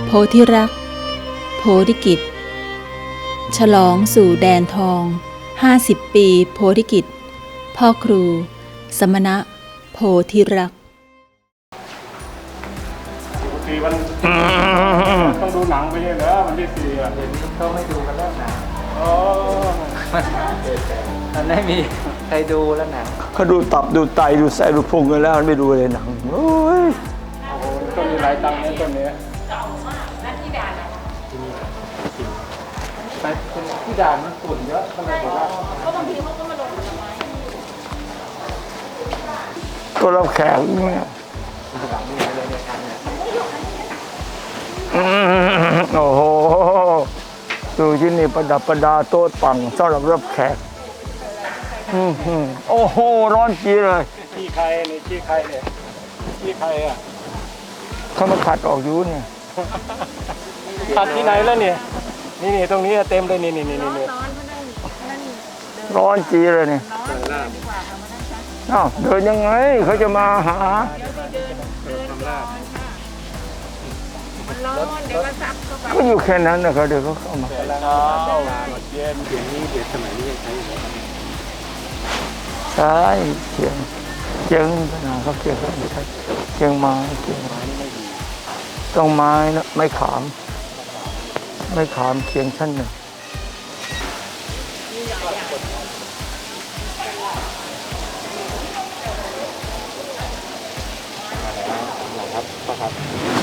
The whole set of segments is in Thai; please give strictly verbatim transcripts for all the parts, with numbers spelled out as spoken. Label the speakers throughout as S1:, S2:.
S1: โพธิรักโพธิกิจฉลองสู่แดนทองห้าสิบปีโพธิกิจพ่อครูสมณะโพธิรัก
S2: สี่วันต้องดูหนังไปใช่เหรอวันที่สี่อ่ะเดี๋ยวนี้เขาไม่ดูกันแล้วหนังอ๋อ
S3: มันไม่มีใครดูแล้วหนัง
S4: เขาดูตับดูไตดูไส้ดูพุงกันแล้วไม่ดูเลยหนังโอ้ย
S2: โอ้โหต้นมีหลายตังค์เนี่ยต้นนี้เก่ามากนั่นที่ด่าน
S3: แต่ที่ด่านมันฝุ่นเยอะก็เลยบอกว่า
S2: ก็บางทีเขาก็มาลงผลไม้
S4: ก็รับแขกเนี่ยโอ้โหดูที่นี่ประดับประดาโต๊ะปังสำหรับรับแขกโอ้โหร้อนจีเลย
S2: ที่ใครนี่ที่ใครเนี่ยที่ใครอ่ะ
S4: เขามาขัดออกอยู่เนี่ย
S2: ขัดที่ไหนแล้วเนี่ยนี่นี่ตรงนี้เต็มเลยนี่นี่นี่นี่
S4: ร้อนจีเลยเนี่ยอ้าวเดินยังไงเขาจะมาหาก็อยู่แค่นั้นนะครับเดี๋ยวเขาเข้ามา
S2: เย็นเดี๋ยวนี้เดี๋ยวสมัยนี้ยังใช้อยู่
S4: ใช่เชียงเชียงขนาดเขาเชียงเขาไม่ใช่เชียงไม้เชียงไม้นี่ไม่ดีต้องไม้นะไม้ขามไม้ขามเชียงชั้นหนึ่ง
S2: ครับครับ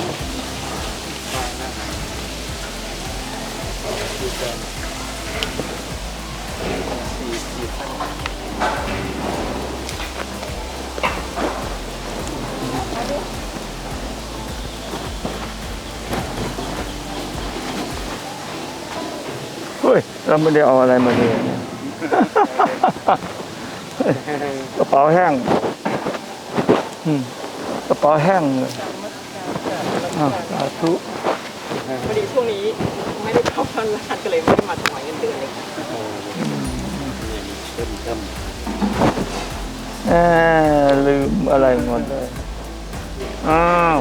S4: เฮ้ยเราไม่ได้เอาอะไรมาเลยกระเป๋าแห้งกระเป๋าแห้งเลยสาธุ
S5: พอดีช่วงนี้ไม่ได้เข้าพันร้านก็เลยไม่ได้มาถวายเงินเดือนเลย
S4: เออลืมอะไรหมดเลยอ้าว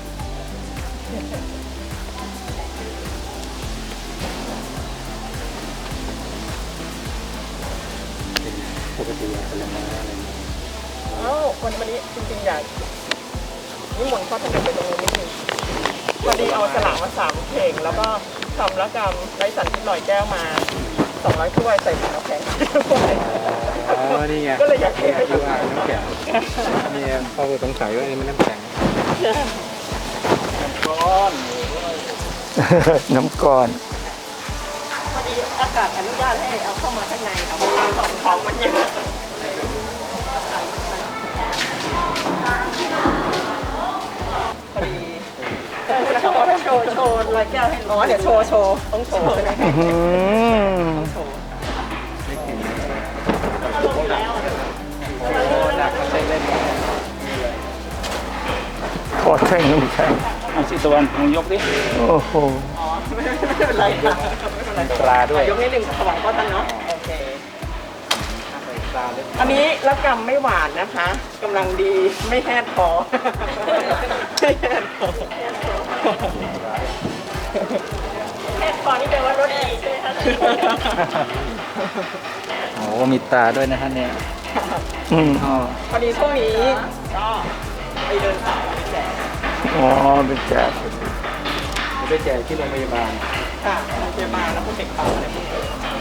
S2: ปกติอะไรมาอะไร
S5: เอ้าวันวันนี้จริงๆอยากนิมนต์พ่อท่านไปตรงนี้นิดนึงพอดีเอาสลากมาสามเพลงแล้วก็ทำละกรรมไร้สันที่ลอยแก้วมาสองร้อยถ้วยใส่ถุงน้ำแข็ง
S2: อ๋อนี่ไง
S5: ก็เลยอยากให้
S2: ดูอ่างน้ำแข็งนี่พ่อสงสัยว่านี่มันน้ำแข็งน้ำก้อน
S4: น้ำก้อน
S5: พอดีอากาศอนุญาตให้เอาเข้ามาข้างในค่ะเพราะว่าของของมันเยอะพอดีแล้วเขาบอกให้โชว์โชว์ลอยแก้วให้อ๋อเดี๋ยวโชว์โชว์ต้องโชว์ใช่ไหมต้องโชว์
S4: ขอแท่งน้ำแข็ง
S2: เอาสิตะวันมึงยกดิ
S4: โอ้โห
S5: อ๋อไม่เป็นไรค่ะ
S2: ปลาด้วย
S5: ยกนิดหนึ่งถวายพ่อท่านเนาะโอเคอันนี้ละกำไม่หวานนะคะกำลังดีไม่แห้งคอไม่แห้งคอแห้งคอนี่แปลว่ารสดีใช่ไหมคะ
S3: โอ้มีตาด้วยนะท่านเนี่ย
S5: พอดีช่วงนี้ก็ไปเดินสายไปแจก
S4: อ๋อไปแจก
S3: ไปแจกที่โรงพยาบาล
S5: ค่ะโรงพยาบาลแล้วพวกเด็กปั๊มอะไรพวกนี้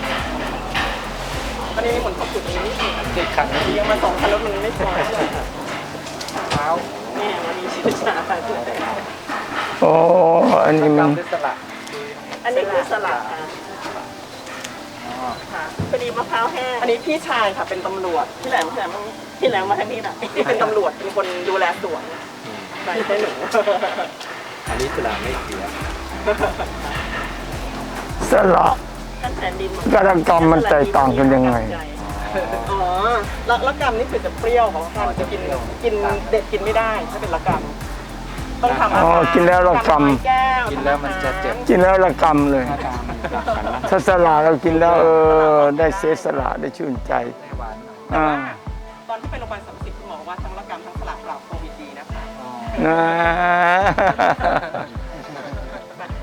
S5: ตอนนี้เหมือนขอบคุณตรงนี้
S3: เด็กขัด
S5: ดียังมาสองคันรถมันไม่พอ
S3: เท้า
S5: เนี่ยมันมีชิ้นชา
S4: โอ้อันนี้มัน
S3: สละ
S5: อันนี้คือสละค่ะพอดีมะพร้าวแห้งอันนี้พี่ชายค่ะเป็นตำรวจพี่แหลมพี่แหลมพี่แหลมมาทางนี้น่ะเป็นตำรวจเป็นคนดูแลสวนใช่ใช่หนู
S3: อันนี้สละไม่เสีย
S4: สละกระกรรมมันแตกต่างกันยังไง
S5: อ๋อละละกรรมนี่คือจะเปรี้ยวของท่านจะกินกินเด็ดกินไม่ได้ถ้าเป็นละกรรมต้องทำ
S4: อ๋อกินแล้วละกรรม
S3: กินแล้วมันจะเจ็บ
S4: กินแล้วละกรรมเลยถ้าสละเรากินแล้วเออได้เสียสละได้ชื่นใจ
S5: อ่าตอนที่ไปโรงพยาบาลสามสิบคุณหมอว่าทั้งละกรรมทั้งสละปราบโควิดดีนะคะ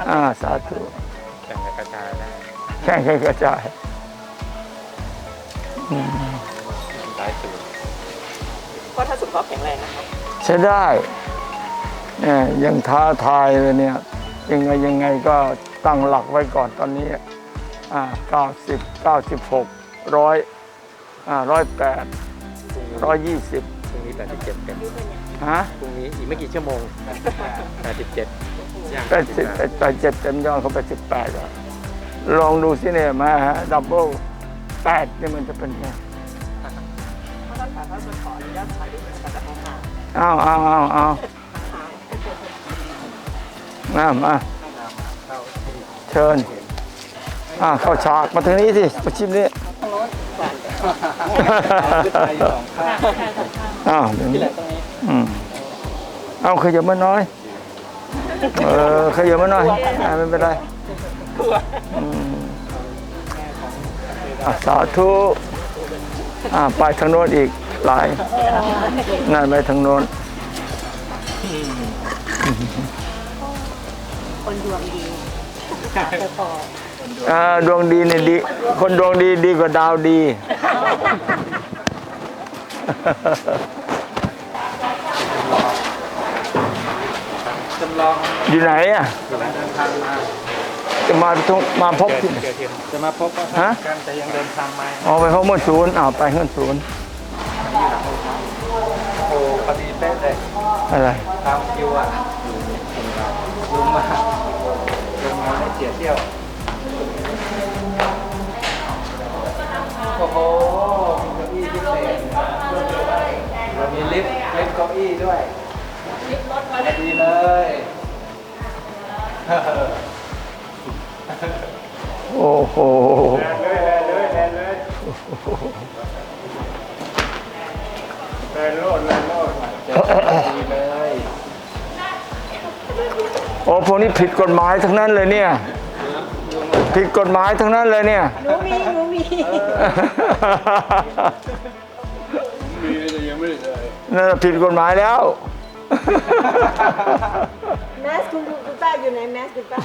S4: อ่าสาธุ
S3: แข่งกระจายได้
S4: แข่งกันกระจายอืม
S3: หลายสูตร
S5: เพราะถ้าสุขภาพแข็งแรงนะครับ
S4: ใช้ได้เนี่ยยังท้าทายเลยเนี่ยยังไงยังไงก็ตั้งหลักไว้ก่อนตอนนี้อ่าเก้าสิบเก้าสิบหกร้อยอ่าร้อยแปดร้อยยี่สิบ
S3: พรุ่งนี้แปดสิบเจ็ดเต็ม
S4: ฮะ
S3: พรุ่งนี้อีกไม่กี่ชั่วโมงแปดสิบเจ็ด
S4: แปดสิบแปดเจ็ดเต็มยอดเขาแปดสิบแปดแล้วลองดูสิเนี่ยมาฮะดับเบิลแปดนี่มันจะเป็นไง
S5: เพราะท่านขาท่านจะขออนุญาตถ่ายรูปกับแต่ของหา
S4: อ้าวอ้าวอ้าวอ้าวมามาเชิญอ่าเข้าฉากมาทางนี้สิมาชิมนี่อ้าวเดี๋ยวนี้อืมเอาขยับมาหน่อยเออขยับมาหน่อยอ่าไม่เป็นไรอืมอ่ะสาธุอ่าไปทางโน้นอีกหลายนั่นไปทางโน้นอ่าดวงดีเนี่ยดีคนดวงดีดีกว่าดาวดี
S3: จำลอง
S4: อยู่ไหนอ่ะ
S3: กำลังเดินทางมา
S4: จะมาทุกมาพบที่ไหน
S3: เกิดเหตุจะมาพบว่า
S4: ฮะ
S3: กันแต่ยังเดินทางมา
S4: อ๋อไปพบเมื่อศูนย์อ้าวไปเมื่อศูนย์
S3: โอ้พอดีเป๊ะเลย
S4: อะไร
S3: ตามคิวอ่ะลุงมาลุงมาให้เสียเที่ยวโอ้โหมีเก้าอี้พิเศษเรามีลิฟต์ลิฟต์เก้าอี้ด้วยลิฟต์รถมาดีเลย
S4: โอ้โห
S2: แลนเลยแลนเลยแลนเลยแลนโลดแลนโลด
S3: ดีเลย
S4: โอ้พวกนี้ผิดกฎหมายทั้งนั้นเลยเนี่ยผิดกฎหมายทั้งนั้นเลยเนี่ย
S6: หนูมีหนูมี
S2: มีแต่ยังไม่ได้ใส่
S4: นั่นผิดกฎหมายแล้ว
S6: แมสคุณคุณป้าอยู่ไหนแมสคุณป้า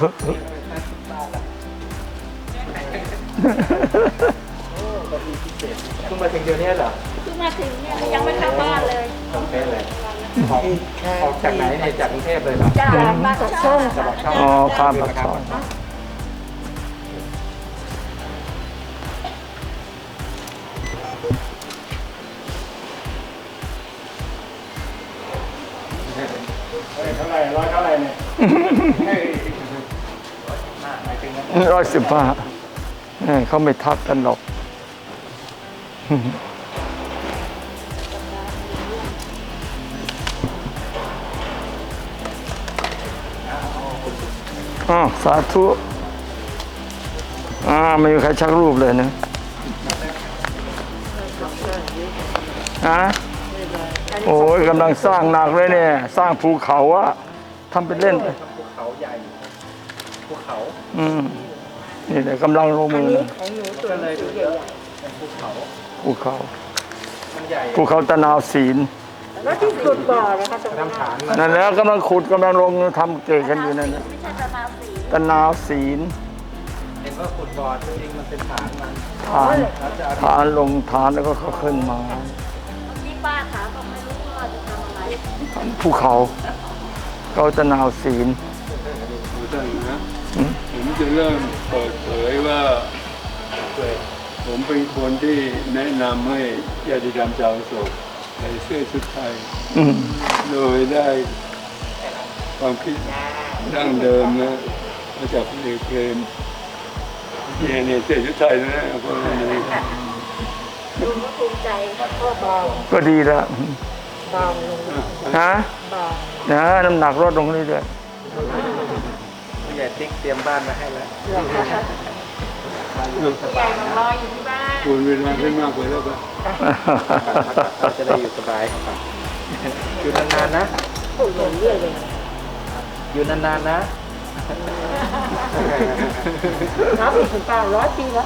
S3: คุณมาถึงเดี๋ยวนี้เหรอ
S6: เพิ่งมาถึงเนี่ยยังไม่เข้าบ้านเลย
S3: กรุงเทพเลยออกออกจากไหนเนี่ยจากกรุงเทพเลยเหรอ
S6: จ้ามาจากส้ม
S3: จะบอกช่อง
S4: อ๋อข้ามปากซอย
S2: เฮ้ยเท่าไหร่ร้อยเท่าไหร่เนี่ยเฮ้ย
S4: ร้อยสิบห้าเขาไม่ทักกันหรอกอ๋อสาธุอ่าไม่มีใครชักรูปเลยนะฮะโอ้ยกำลังสร้างหนักเลยเนี่ย สร้างภูเขาอะทำเป็นเล่นไป
S3: ภูเขาใหญ่ภูเขา
S4: อืมนี่แหละกำลังลงมือนะ
S3: ก็เลยดูเยอะเป็นภูเขา
S4: ภูเขา
S3: มันใหญ่
S4: ภูเขาตะนาวศีล
S6: แล้วที่สุดบ่อนะคะตรงนั้น
S3: น้ำฐานมัน
S4: นั่นแล้วกำลังขุดกำลังลงทำเกศกันอยู่นั่นนะ
S6: ไม่ใช่ตะนาวสี
S4: ตะนาวศีล
S3: เห็นว่าขุดบ่อจริงๆมันเป็นฐานมัน
S4: ฐาน
S3: แล้วจะเอา
S4: ฐานลงฐานแล้วก็เขาขึ้นมา
S6: ที่ป้าถามก็ไม่รู้ว่าจะทำอะไร
S4: ภูเขาเขาตะนาวศีล
S2: ดูได้นะผมจะเริ่มเปิดเผยว่าผมเป็นคนที่แนะนำให้ญาติธรรมชาวโศกใส่เสื้อชุดไทย
S4: อืม
S2: โดยได้ความคิดดั้งเดิมนะมาจากพลเอกเปรมเนี่ยเนี่ยเสื้อชุดไทยนะพวกนี้
S6: ดูก็ภูมิใจพ่อเบา
S4: ก็ดีแล้ว
S6: เบาลง
S4: ฮะ
S6: เบา
S4: นะน้ำหนักลดลงเรื่อย
S3: ผู้ใหญ่ติ๊กเตรียมบ้านมาให้แล้ว
S6: ใหญ่มารออยู่ที่บ้าน
S2: ควรเวลาให้มากกว่าแล้วก็
S4: ๆ
S3: เราจะได้อยู่สบาย อยู่นานๆนะ
S6: พูดเรื่อยเลย
S3: อยู่นานๆนะ
S6: นับอีกคุณป้าร้อยปีแล้ว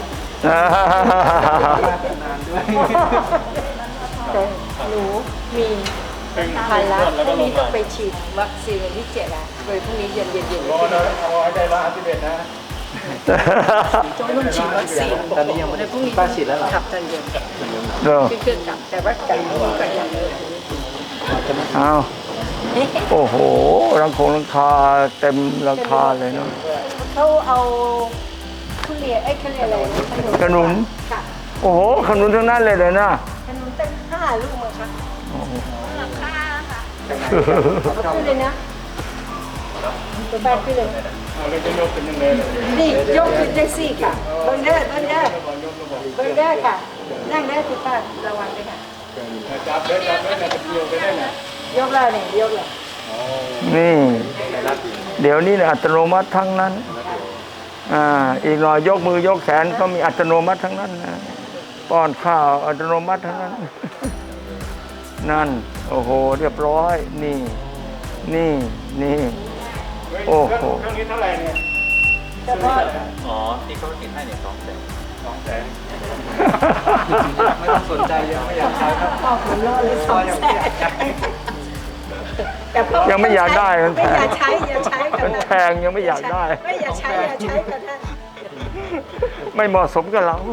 S3: นานด้วย
S6: แต่หนูมี
S7: ทันแล้วพรุ่งนี้ต้องไปฉีดวัคซีนวันที่เจ็ดอ่ะเลยพรุ่งนี้เย็นเย็นเย็น
S3: รอนะเอาให้ได้ร้อยห้าสิบเอ็ดนะ
S7: จงต้องฉีดวัคซีน
S3: ตอนนี้ยังไม่ได้
S7: พรุ่งนี้
S3: ป้าฉีดแล้วเหรอ
S7: ขับตอนเย็น
S4: เด้อ
S7: ขึ้นเครื่องกลับแต่ว่าจากนี้ก็ยัง
S4: เอาโอ้โหรังคงรังคาเต็มราคาเลยเนาะ
S7: เขาเอาทุเรียนไอ้ยเขาเรียกอะไร
S4: ขนุน
S7: ค่ะ
S4: โอ้โหขนุนทั้งนั้นเลยเลยนะ
S7: ขนุนตั้งห้าลูกมั้งคะ
S6: ราคาค่ะ
S7: เอาขึ้นเลยนะตัวแบกขึ้นเลย
S2: เอาเลยจะยกเป็นยังไงเลย
S7: นี่ยกขึ้นได้สี่ค่ะเบิ้งได้เบิ้งได้เบิ้งได้ค่ะนั่งได้คุณป้าระวังด้วยค่ะ
S2: จับได้จับได้จะเกี่ยวไปได้ไง
S7: ยกแล้วนี่ยกแล้ว
S4: นี่ เดี๋ยวนี้เนี่ยอัตโนมัติทั้งนั้นอ่าอีกหน่อยยกมือยกแขนก็มีอัตโนมัติทั้งนั้นนะป้อนข้าวอัตโนมัติทั้งนั้น นั่นโอ้โหเรียบร้อยนี่นี่นี่โอ้โห
S2: เครื่องนี้เท่าไหร่เนี่ย
S7: เฉพาะ
S3: อ๋อที่เขาติดให้เนี่ยสองแสน
S2: สองแสน
S3: ไม่ต้องสนใจยังไม่อยากใช้ครับ
S7: พ่อผมรอเลยสองแสนแต่พ่อ
S4: ยังไม่อยากได้มันแพ
S7: ไม่อง ยากใช้อย่าใช้กั
S4: มัน น
S7: นะ
S4: แพงยังไม่อยากได้
S7: ไม่อยากใช้อย่าใช้กันนะ
S4: ไม่เหมาะสมกับเรา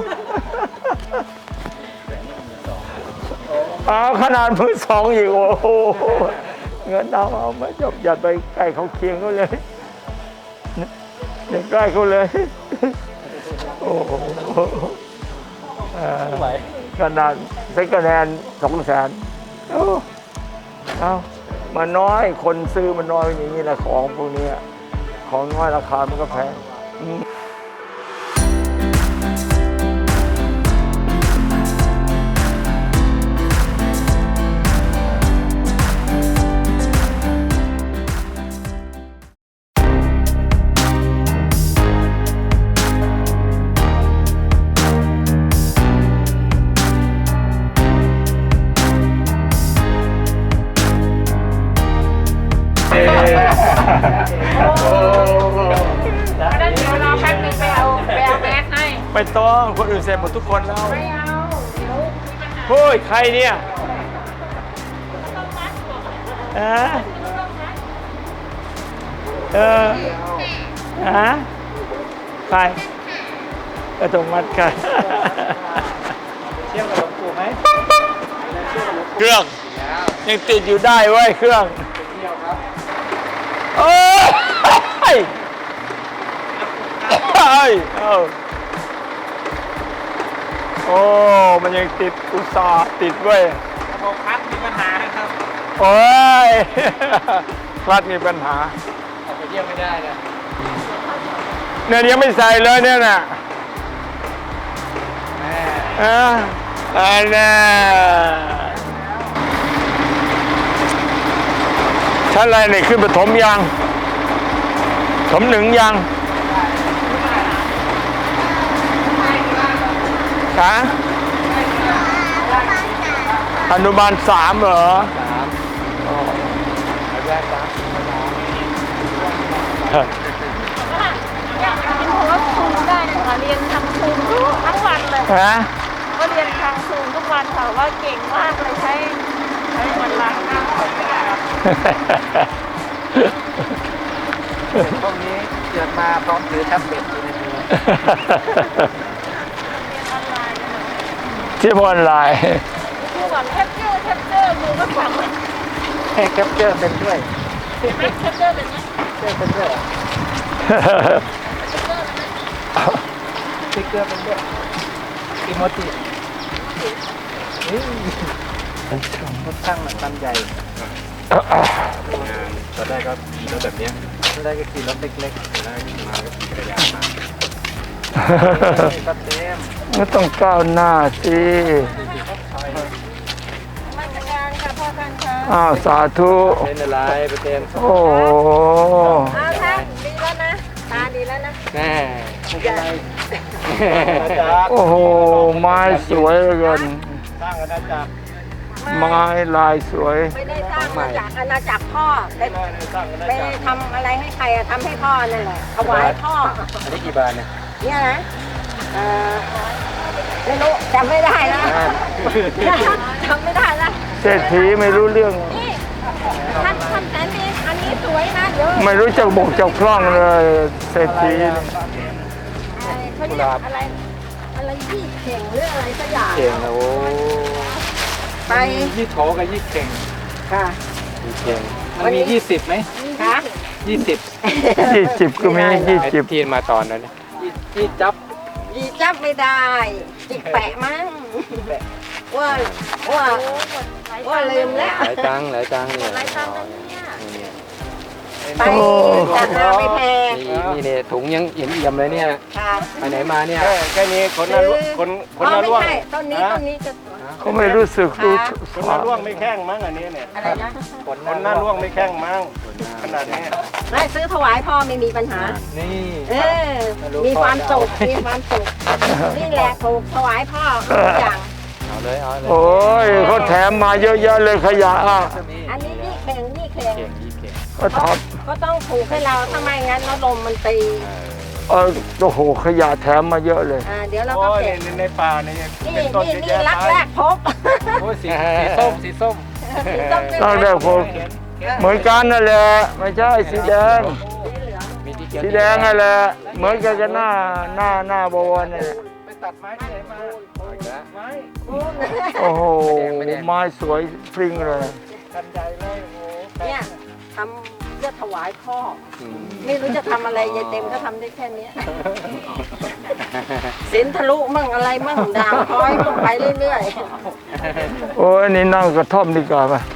S4: เอาขนาดมือสองอีกโอ้โหเงินเอาเอาไม่จบอย่าไปใกล้เขาเคียงเขาเลยอย่าใกล้เขาเลย โอ้โหเอ่อขนาดเซ็กแนนสองแสนเอาเอามาน้อยคนซื้อมันน้อยอย่างนี้แหละของพวกนี้ของน้อยราคามันก็แพงอืม
S6: เพราะนั้นเดี๋ยวรอแป๊บนึงไปเอาไปเอาแมสให้
S4: ไม่ต้องคนอื่นเสร็จหมดทุกคนแล้ว
S6: ไม่เอาเดี๋ยวมีปัญหา
S4: เฮ้ย ใครเนี่ยฮะเออฮะใครก็ต้องมัดกัน
S3: เที่ยวกับหลวงปู่ไหม
S4: เครื่อง ยังติดอยู่ได้เว้ยเครื่อง
S3: เที่ยวครับ
S4: เอ้ยเอ้ยเอ้าโอ้มันยังติดอุตส่าห์ติดเว้ย
S3: ระบบพัดมีปัญหาครับ
S4: โอ้ย คลัดมีปัญหา
S3: ออกไปเที่ยวไม่ได้นะ
S4: เนี่ยยังไม่ใส่เลยเนี่ยน่ะ
S3: แม่
S4: อ่าอันน่ะชั้นอะไรเนี่ยขึ้นปฐมยังถมหนึ่งยังฮะอนุบาลสามเหรอ
S3: สามอ๋อแรกสาม
S6: อยากกินเพราะว่าซูมได้ค่ะเรียนทางซูมทั้งวันเลย
S4: ฮะ
S6: ก็เรียนทางซูมทุกวันค่ะว่าเก่งมากเลยใช้ใช้วันล้างหน้าของไม่ได้
S3: พวกนี้เกิดมาพร้อมถือแท็บเล็ตอยู่ในมือ
S4: ที่ออนไลน์
S6: คือแบบแคปเจอร์แคปเจอร์มือก็สั่งเลย
S3: ให้แคปเจอร์เป็นด้วย
S6: เห็นไหมแคปเจอร์เป็นไหม
S3: เจอร์เป็นด้วย สติ๊กเกอร์เป็นด้วยอีโมจิรถช่างมันคันใหญ่ตอนแรกก็ขี่รถแบบนี้ตอนแรกก็ขี่รถเล็กๆตอนแรกมาก็ขี่จักรยานมาก็เต็ม
S4: ไม่ต้องก้าวหน้าสิ
S6: มาจัดการค่ะพ่อท่านค่ะ
S4: อ้าวสาธุ
S3: เป็นอะไรไปเต็ม
S4: โอ้โห
S6: เอาท่านดีแล้วนะตาดีแล้วนะ
S3: แน่ไม่เป็นไร
S4: โอ้โห ไม้สวยเหลือเกิน
S3: สร้างอาณาจักร
S4: ไม้ลายสวย
S7: ไม่ได้สร้างมาจากอาณาจักรพ่อไป
S3: สร้างอาณา
S7: ไป
S3: จักร
S7: ทำอะไรให้ใครอะทำให้พ่อนั่นแหละถวายพ่อ
S3: อันนี้กี่บาทเนี่ย
S7: เนี่ยนะเอ่อไม่รู้จำไม่ได้นะจำไม่ได้นะ
S4: เศรษฐีไม่รู้เรื่อง
S7: นี่
S6: ท่านท่านแต่นี่อันนี้สวยนะเดี๋ยว
S4: ไม่รู้จักบกจักพร่องเลยเศรษฐีนี่
S6: เขาเรียกอะไรอะไรยี่เข่งหรืออะไรสักอย่าง
S3: เก่งนะโอ้
S6: ไป
S3: ยี่โถกับยี่เก่ง
S6: ค่ะ
S3: ยี่เก่งมันมียี่สิบไหม
S6: ค่ะ
S3: ยี่สิบ
S4: ยี่สิบก็มียี่สิบ
S3: ทีนมาตอนนั้นยี่จับ
S6: ยีจับไม่ได้จิกแปะมั้งว่าว่าว่าลืมแล้ว
S3: หลายตังหลายตังเนี่ย
S6: หลายตังค์นะเนี่ย
S3: นี่
S6: ไปจัดมาไปแพง
S3: นี่นี่เนี่ยถุงยังเอี่ยมเอี่ยมเลยเนี่ย
S6: ค่ะ
S3: ไปไหนมาเนี่ย
S8: แค่นี้คนละร่วงคนคนละร่วง
S6: อ๋อไม่ใช่ต้นนี้ต้นนี้จะ
S4: เขาไม่รู้สึกรู้
S8: คนละร่วงไม่แข้งมั้งอันนี้เนี่ย
S6: อะไรนะ
S3: คน
S8: คนหน้าร่วงไม่แข้งมั้งขนาดนี้
S6: ไม่ซื้อถวายพ่อไม่มีปัญหา
S3: นี่
S6: เออ มีความสุข มีความสุข นี่แหละถูกถวายพ่อทุกอย่าง
S3: เอาเลยเอาเลย
S4: โอ้ยเขาแถมมาเยอะแยะเลยขยะอ่ะ
S6: อันนี้นี่เข่งนี่เข่ง
S3: เก่งยี่เก่ง
S4: ก็ท
S6: ก็ต้องถูกให้เราถ้าไม่งั้นเราลมมันตี
S4: ำเออโอ้โหขยะแถมมาเยอะเลย
S6: อ่าเดี๋ยวเรา
S8: โอ้
S6: ก็
S8: ย
S6: เก็บ
S8: ในในป่านี่
S6: นี่
S8: เป็นต้น
S6: นี่
S8: เยอะ
S6: นี่
S8: แยะ
S6: รัก
S8: ไป
S6: แรกพบ
S3: โอ้ยสีสีส้มสีส้ม
S4: ตั้งแต่ผมเหมือนกันนั่นแหละไม่ใช่สีแดง
S3: มีที่เขียว
S4: สีแดงนั่นแหละเหมือนกันกับหน้าหน้าหน้าบวรนี่นแหละ
S3: ไปตัดไม้ที่ไหนมาอีกแล้ว
S8: ไม้
S4: โอ้โหไม้สวยพริ้งเลย
S8: กันใหญ่เลยโอ้
S6: เนี่ยทำเพื่อถวายพ่อ ไม่รู้จะทำอะไรยายเต็มก็ทำได้แค่เนี้ยสินทะลุมั่งอะไรมั่งด่างพร้อยมั่งไปเรื่อย
S4: โอ้ยนี่นั่งกระท่อมดีกว่าป่ะ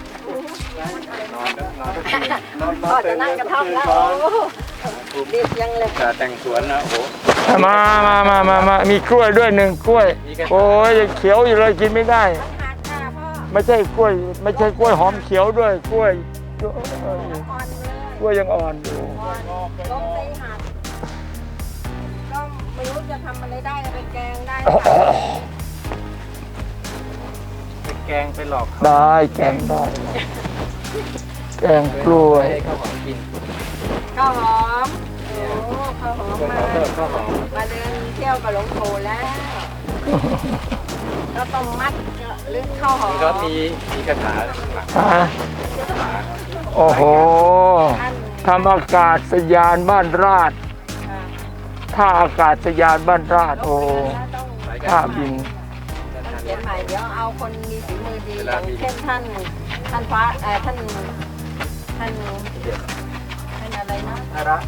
S6: ๆพ่อจะนั่งกระท่อมแล้วโอ้ดียังเลย
S3: จะแต่งสวนนะโอ้โห
S4: มามามามามามีกล้วยด้วยหนึ่งกล้วย โอ้ยยังเขียวอยู่เลยกินไม่ได้
S6: หักค่ะพ่อ
S4: ไม่ใช่กล้วย ไม่ใช่กล้วยหอมเขียวด้วยกล้วย
S6: อ่อนเลย
S4: กล้วยยังอ่อนอยู่
S6: อ่อนล้มตีหักก็ไม่รู้จะทำอะไรได้ไปแกงได้ค่ะ
S3: ไปแกงไปหลอกเขา
S4: ได้แกงได้แกงกล้วย
S3: ให้ข้าวหอมกิน
S6: ข้าวหอมโอ้ข้าวหอมมา
S3: เพิ่มข้าวหอม
S6: มาเดินเที่ยวกับหลวงปู่แล้วก็ต้องมัดหรือข้าวหอม
S3: นี่ก็มีมีคาถาข้างหลัง
S4: ฮะโอ้โหทำอากาศยานบ้านราชท่าอากาศยานบ้านราชโอ้ท่าบิน
S6: เขียนใหม่เดี๋ยวเอาคนมีฝีมือดีอย่างเช่นท่านท่านฟ้าเอ่อท่านท่านท่านอะไรนะ
S3: น่ารัก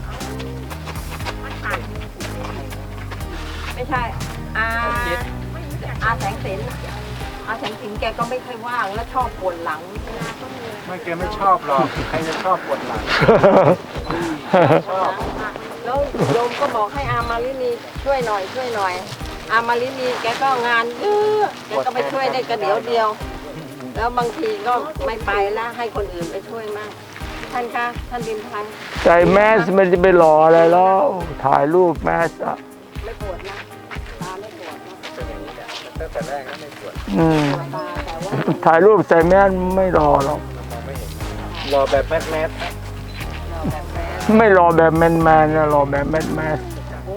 S6: ไม่ใช่อาอาแสงสินอาแสงสินแกก็ไม่ค่อยว่างแล้วชอบปวดหลัง
S3: ไม่แกไม่ชอบหรอกใครจะชอบปวดหลัง ชอบ
S6: แล้วโยมก็บอกให้อามาลินีช่วยหน่อยช่วยหน่อย อามาลินีแกก็งานเยอะแกก็ไปช่วยได้กระเดียวเดียว แล้วบางทีก็ไม่ไปแล้วให้คนอื่นไปช่วยมากท่านคะท่านดินพันธ์
S4: ใจแมสมันจะไปหล่ออะไรแล้ว ถ่ายรูปแมสอะ
S6: ไม่ปวดนะตาไม่ปวดนะ
S3: เป็นอย่างนี้แหละตั้งแต่แรกก็ไม่ปวด
S4: อืม
S6: ตาแต่ว่า
S4: ถ่ายรูปใส่แมสไม่รอหรอก
S3: รอแบบแมสแมส
S6: เราแบบแม่
S4: ไม่รอแบบแมนแมนนะรอแบบแมสแมส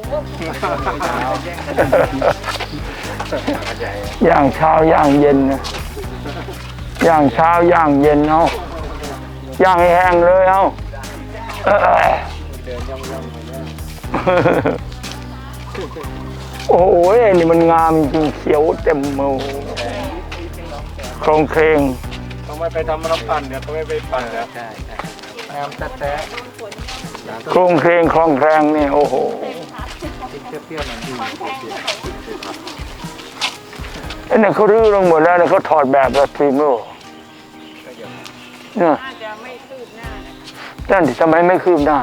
S4: ย่างเช้าย่างเย็นนะย่างเช้าย่างเย็นเอาย่างให้แห้งเลยเอาเออ
S3: เดินย่องย่องๆเลย
S4: โอ้โหนี่มันงามจริงเขียวเต็มมือโครงเครง
S8: ต้องไม่ไปทำน้ำปั่นเดี๋ยวเขาไม่ไปปั่นแล้ว
S3: ใช่ใช่งามแท้
S4: โครงเครงคลองแครงนี่โอ้โห
S3: ๆกินเปรี้ยวๆมันดี
S4: ไอ้เนี่ยเขารื้อลงหมดแล้วเนี่ยเขาถอดแบบแล้วทีมโลกเนี่ย
S6: น่าจะไม่คืบหน้านะ
S4: นั่นดิทำไมไม่คืบหน้า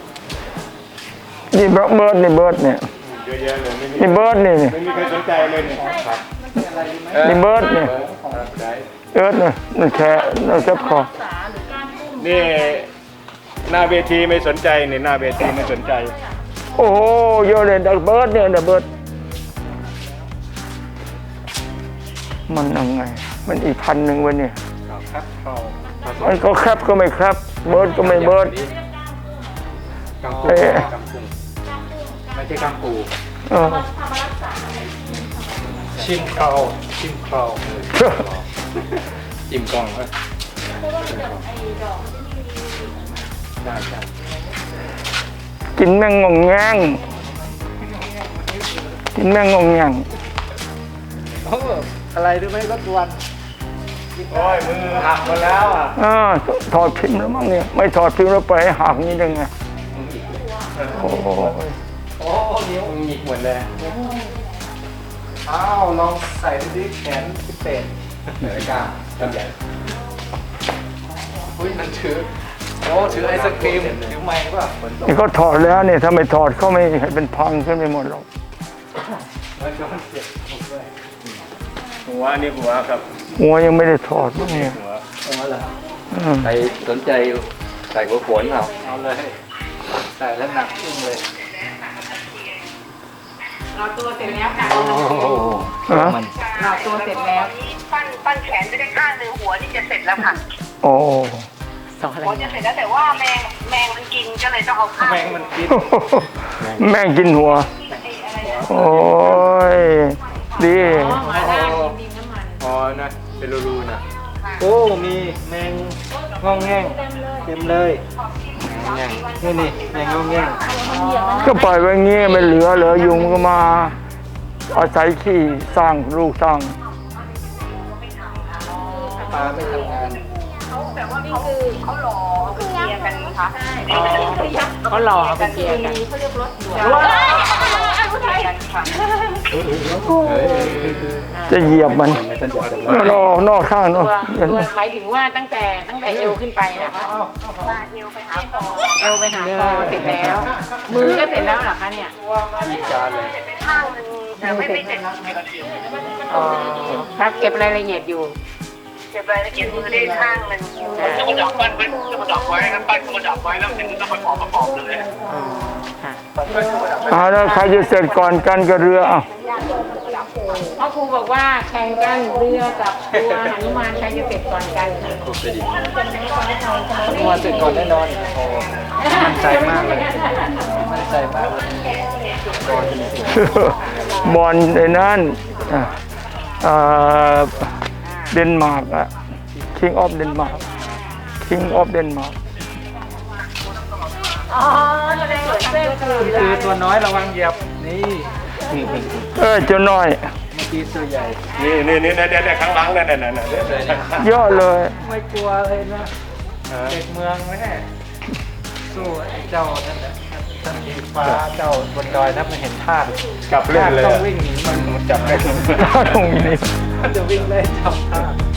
S4: นี่เบิร์ดเบิร์ดนี่เบิร์ดเนี่ย
S8: เยอะแยะเลยไม่มี
S4: นี่เบิร์ดนี่นี่
S8: ไม่มีใครสนใจเลยเนี่ยครับ
S4: นี่เบิร์ดนี่เอิร์ดนี่นั่นแค่นั่นแค่คอ
S8: นี่หน้าเวทีไม่สนใจเนี่ยหน้าเวทีไม่สนใจ
S4: โอ้โหเยอะเลยดักเบิร์ดเนี่ยดักเบิร์ดมันยังไง มันอีกพันหนึ่งวันเนี่ย
S3: ครับเข้า
S4: มันก็แคบก็ไม่แคบเบิร์ดก็ไม่เบิร์ด
S3: กังปู
S4: เอ๊ะ
S3: กังปูไม่ใช่กังปู
S4: เออ
S3: ชิมเขาชิมเขาจิ้มกล้องเว้ยได้ใช่
S4: กินแมงงงแงงกินแมงงงแงง
S3: โอ้อะไรรู้ไหมรถด่วนโอ้ยมือหักหมดแล้วอ่ะ
S4: อ่าถอดพิมพ์แล้วมั้งเนี่ยไม่ถอดพิมพ์แล้วไปให้หักนี่ได้ไงโอ้ย
S3: โอ้นิ้วหงิกหมดเลยอ้าวลองใส่ดูดิแขนพิเศษเหนือกล้าทำใหญ่อุ้ยมันถือโอ้ถือไอศครีมถือไม้ป่ะ
S4: นี่เขาถอดแล้วเนี่ยถ้าไม่ถอดเขาไม่ให้เป็นพังขึ้นไปหมดหรอก
S3: มันก็เจ็บด้วย
S8: หัวนี่หัวครับ
S4: หัวยังไม่ได้ถอดมั้งเนี่ย
S8: หัว
S3: เอาละ
S4: อืม
S9: ใครสนใจใส่หัวโขนเอา
S3: เอาเลยใส่แล้วหนักอึ้งเลย
S6: เราตัวเสร็จแล้วค่ะ
S3: โอ้โห
S4: ฮะ
S3: มัน
S6: เราตัวเสร็จแล้ว
S10: ปั้นปั้นแขนไปได้ข้างหนึ่งหัวนี่จะเสร็จแล้วค่ะ
S4: โอ้
S10: หัวจะเสร็จแล้วแต่ว่าแมงแมงมันกินก็เลยต้องเอาข้าง
S3: แมงมันกิน
S4: แม่งกินหัว โอ้ยดี
S6: มาได้ดินน้ำมัน
S3: อ๋อนะเป็นรูๆนะโอ้มีแมงงองแงงเต็มเลยแมงนี่นี่แมงงองแงง
S4: ก็ปล่อยไว้เงี้ยไม่เหลือเหลือยุงก็มาอาศัยขี้สร้างลูกสร้าง
S3: ปลาไม่ทำงาน
S10: แต่ว่าเขาเขาหล่อเขาเกียร์กันนะคะ
S6: เขาหล่อเอาไปเกียร์กัน
S10: กันค่ะ
S4: จะเหยียบมันนอกนอกข้างเนาะ
S6: ตัวตัวหมายถึงว่าตั้งแต่ตั้งแต่เอวขึ้นไปนะคะ
S10: มาเอวไปหาคอ
S6: เอวไปหาคอเสร็จแล้ว มือก็เสร็จแล้วเหรอคะเนี่ย
S3: มีจานเลย
S10: เป็นข้างหนึ่งแต่ไม่ไม่เสร็จ
S6: อ๋อครับเก็บรายละเอียดอยู่
S10: เก็บรายละเอียดมือได้ข้างหนึ่งจะมาดับปั้นไว้จะมาดับไว้ครับปั้นมาดับไว้แล้วถึงจะมาประกอบประกอบเลย
S6: ค่ะ
S4: เอาแล้วใครจะเสร็จก่อนกันกับเรืออ่ะ
S6: เพราะครูบอกว่าแข่งกันเรือกับตัวหนุมานใครจะเสร็จก่อนกันค่ะ
S3: ตัวเสร็จก่อนแน่นอนโอ้มั่นใจมากเลยมั่นใจมากเลย
S4: บอลในนั้นอ่ะเอ่อเดนมาร์กอะ King of Denmark King of Denmark
S6: อ๋อแสดงว่าเส้นคือ
S3: คือตัวน้อยระวังเหยียบนี่
S4: เออเจ้าน้อย
S3: เมื่อกี้ตัวใหญ่
S8: นี่นี่นี่นี่นี่ข้างหลังนั่นนั่นนั่นนั่น
S4: เยอะเลย
S3: ไม่กลัวเลยนะเด็กเมืองแม่สู้ไอ้เจ้านั่นแหละท่านทีฟ้าเจ้าบนดอยนะมันเห็นท่า
S8: จับเล่นเลย
S3: ต้องวิ่งหนีมัน
S8: จับเล่น
S4: ตรงนี้
S3: มันจะวิ่งไล่จับท่า